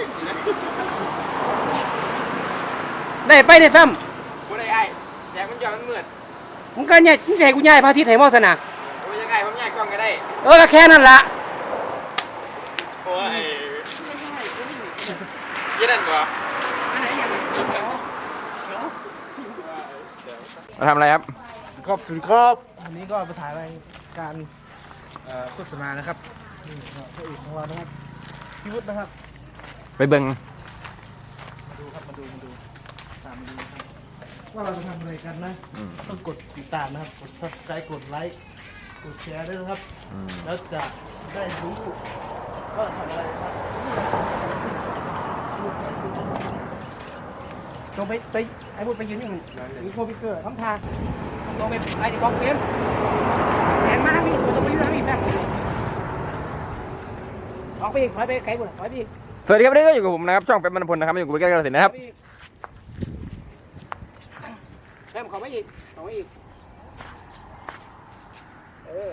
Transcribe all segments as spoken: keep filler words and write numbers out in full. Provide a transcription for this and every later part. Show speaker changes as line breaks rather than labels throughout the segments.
ได้ไปได้ซ้
ำกูได้ไอ้แดงมันย้อนมันเหมือน
ำมึงก็เนี่ยมึงจะให้กูย้ายพระอาทิตย์ให้มอสนะ
กูยังไงผมย้ายกล้องก็ได้
เออก็แค่นั้นละ
โอ้ยยี่นั่นบ่มาทำอะไรครับ
ขอบคุณครับวันนี้ก็มาถ่ายรายการโฆษณานะครับนี่พระเอกของเรานะครับพี่วุฒินะครับ
ไปเบิ่ง
มาดูครับมาดูมาดูตามมาดูครับว่าเราจะทำอะไรกันนะต้องกดติดตามนะครับกด ซับสไครบ์ กดไลค์กดแชร์ด้วยนะครับแล้วจะได้รู้ว่าทำอะไรครับตรงไปไปไอ้บุญไปยืนนี่มีโคพิเกอร์ทำทางตรงไปไอ้ที่กองเฟรมแข่งมาทางนี้ตรงไปยืนทางนี้แฟมออกไปอีกถอยไปไกลกว่าถอยไปอีก
สวัสดีครับนี่ก็อยู่กับผมนะครับช่องเป็นมณพลนะครับอยู่กับพี่แก้วกระสินนะครับ
แฟมขอไม่อีกขอไม่อีกเออ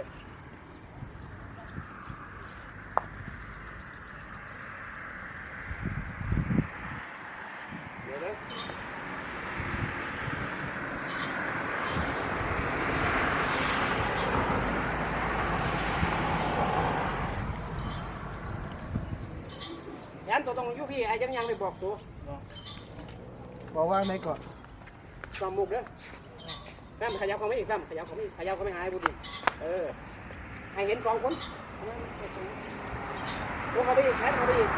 เดี๋ยวนะยันตัวตรงยุพี่ไอ้ยังยังไม่บอกตัวบอกว่าไหนก่อนตอมมุกเด้อแม่ขยับเขาไม่อีกแม่ขยับเขาไม่ขยับเขาไม่หายบุญเออให้เห็นสองคนลูกเขาไปอีกแม่เขาไปอีก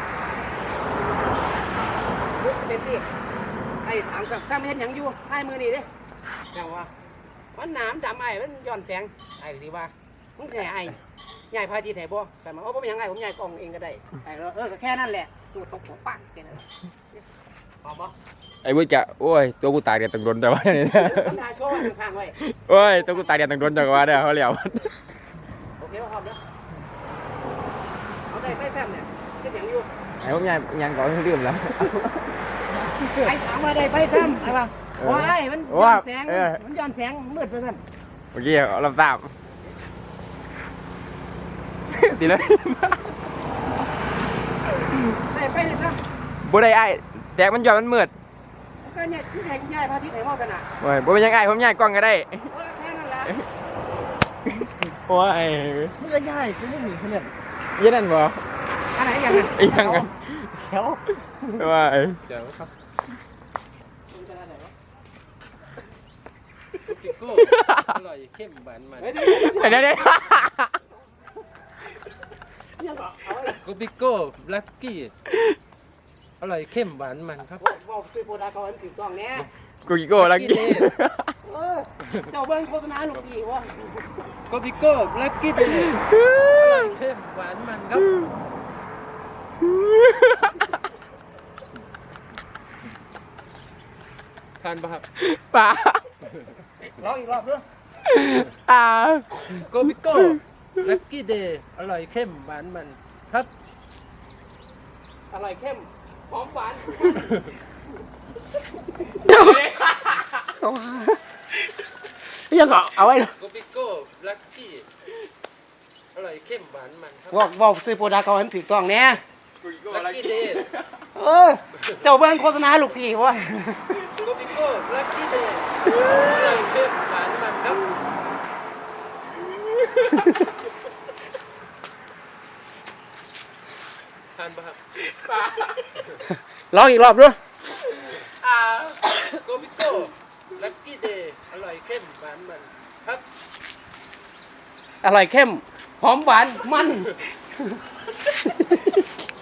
ลูกจะเป็นที่ไอ้สามกับแม่เห็นยังอยู่ให้มือนี่ดิอย่างว่ามันหนามดำไอ้มันย้อนแสงไอ้ดีว่ามึงแหน่ไอ้ใหญ่พาจีแถบบ่แต่มาโอ้ผมยังไงผมใหญ่กล่องเองก็ได้ไอ้เออแค่นั้นแหละตัวตกหัวปักแค่นั้นพอบ่
ไอ้วุ้ยจะโอ้ยตัวกูตายเดียดตังโดนแต่ว่าเนี่ย
ทำทาโชว์ข้างๆไว้
โอ้ยตัวกูตายเดียดตังโดนแต่ว่าเนี่ยเขาเหลียว
โอเคพร้อมแล้วเอาได้ไม่แฟมเนี่ยเป็นอย่างอยู่
ไอ้ผมยังยังก่อนเรื่องแล้ว
ไอ้ถามว่าได้ไปแฟมไอ้ป่ะว้ายมันย้อนแสงมันย้อนแสงมืดไปสั่น
เมื่อกี้เราตามตีเลย
ได้ไปเลยครับ
บ่ได้ไอ้แดงมันย้อนมันมืด
ก็เนี่ยที่แทงย่ายพระอาทิตย์ไหนมอกันอ่ะ
โอ้ยบ่เป็นยังไงผมย้ายกล้องก็ได้
แค่นั้นแหละ
โอ้ย
มันก็ย่ายคือไม่หนีเขาเนี่ย
ยี่นั่นบ่
อันไหนอย่างนั้น
ยังกัน
เขียว
ว่าเขียวครับ
ปิโก้อร่อยเข้มหวานมัน
เดี๋ยวเดี๋ยว
กูปิโก้แบล็กกี้อร่อยเข้มหวานมันครับ
บอกซื้อโปรดาเขาให้ถือกล้องเนี้ย
กูกิโก้แบล็กกี้
เจ้าเบิ้งโฆษณาหนุกดีวะ
กูปิโก้แบล็กกี้อร่อยเข้มหวานมันครับทานป่ะครับ
ป่า
ร้องอีกรอบด้วย
อ่า
โกบิโก้ลักกี้เดย์อร่อยเข้มหวานมันครับ
อร่อยเข้มหอมหวานยังก็เอาไว้
โกบิโก้ลักกี้อร่อยเข้มหวานมันครับ
บอกบอกซื้อโปรดาเขาให้ถือกล้องเนี้ย
ลักกี้เดย์
เออเจ้าเบิ้งโฆษณาลูกพี่วะ
โกบิโก้ลักกี้เดย์อร่อยเข้มหวานมันครับทานป่ะครับ
ร้องอีกรอบด้วย
โกบิโก้ลักกี้เดย์อร่อยเข้มหวานมันครับ
อร่อยเข้มหอมหวานมัน